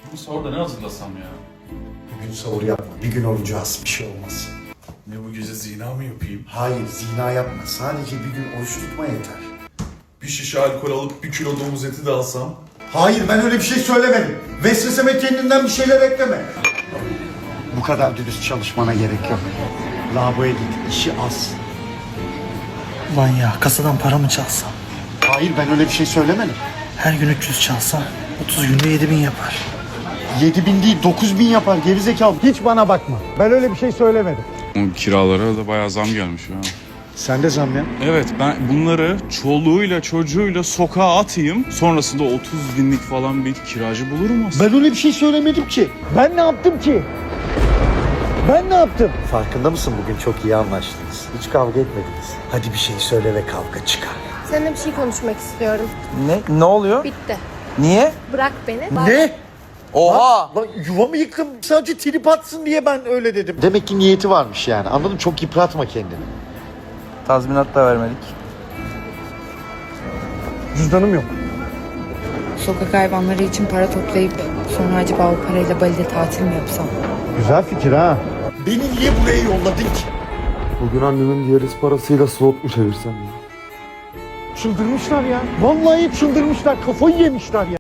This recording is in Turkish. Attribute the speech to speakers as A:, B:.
A: Bugün sahurda ne hazırlasam ya?
B: Bugün sahur yapma. Bir gün orucağız. Bir şey olmaz.
A: Ne bu gece zina mı yapayım?
B: Hayır, zina yapma. Sadece bir gün oruç tutma yeter.
A: Bir şişe alkol alıp 1 kilo domuz eti de alsam?
B: Hayır, ben öyle bir şey söylemedim. Vesveseme kendinden bir şeyler ekleme. Bu kadar dürüst çalışmana gerek yok. Lavaboya git, işi az.
C: Ulan ya kasadan para mı çalsam?
B: Hayır, ben öyle bir şey söylemedim.
C: Her gün 300 çalsam 30 günde 7000 yapar.
B: 7000 değil, 9000 yapar gerizekalı. Hiç bana bakma. Ben öyle bir şey söylemedim.
D: O kiralara da bayağı zam gelmiş ya.
B: Sen de zam ya.
D: Evet, ben bunları çoluğuyla çocuğuyla sokağa atayım. Sonrasında 30 binlik falan bir kiracı bulurum aslında.
B: Ben öyle bir şey söylemedim ki. Ben ne yaptım ki? Ben ne yaptım? Farkında mısın, bugün çok iyi anlaştınız. Hiç kavga etmediniz. Hadi bir şey söyle ve kavga çıkar.
E: Seninle bir şey konuşmak istiyorum.
F: Ne oluyor?
E: Bitti.
F: Niye?
E: Bırak beni.
B: Ne?
F: Oha!
B: Lan yuvamı yıktım. Sadece trip atsın diye ben öyle dedim. Demek ki niyeti varmış yani. Anladın mı? Çok yıpratma kendini.
F: Tazminat da vermedik.
B: Cüzdanım yok.
G: Sokak hayvanları için para toplayıp sonra acaba o parayla Bali'de tatil mi yapsam?
B: Güzel fikir ha. Beni niye buraya yolladın ki?
H: Bugün annemin diyaliz parasıyla slot mu çevirsem ya?
B: Çıldırmışlar ya. Vallahi çıldırmışlar. Kafayı yemişler ya.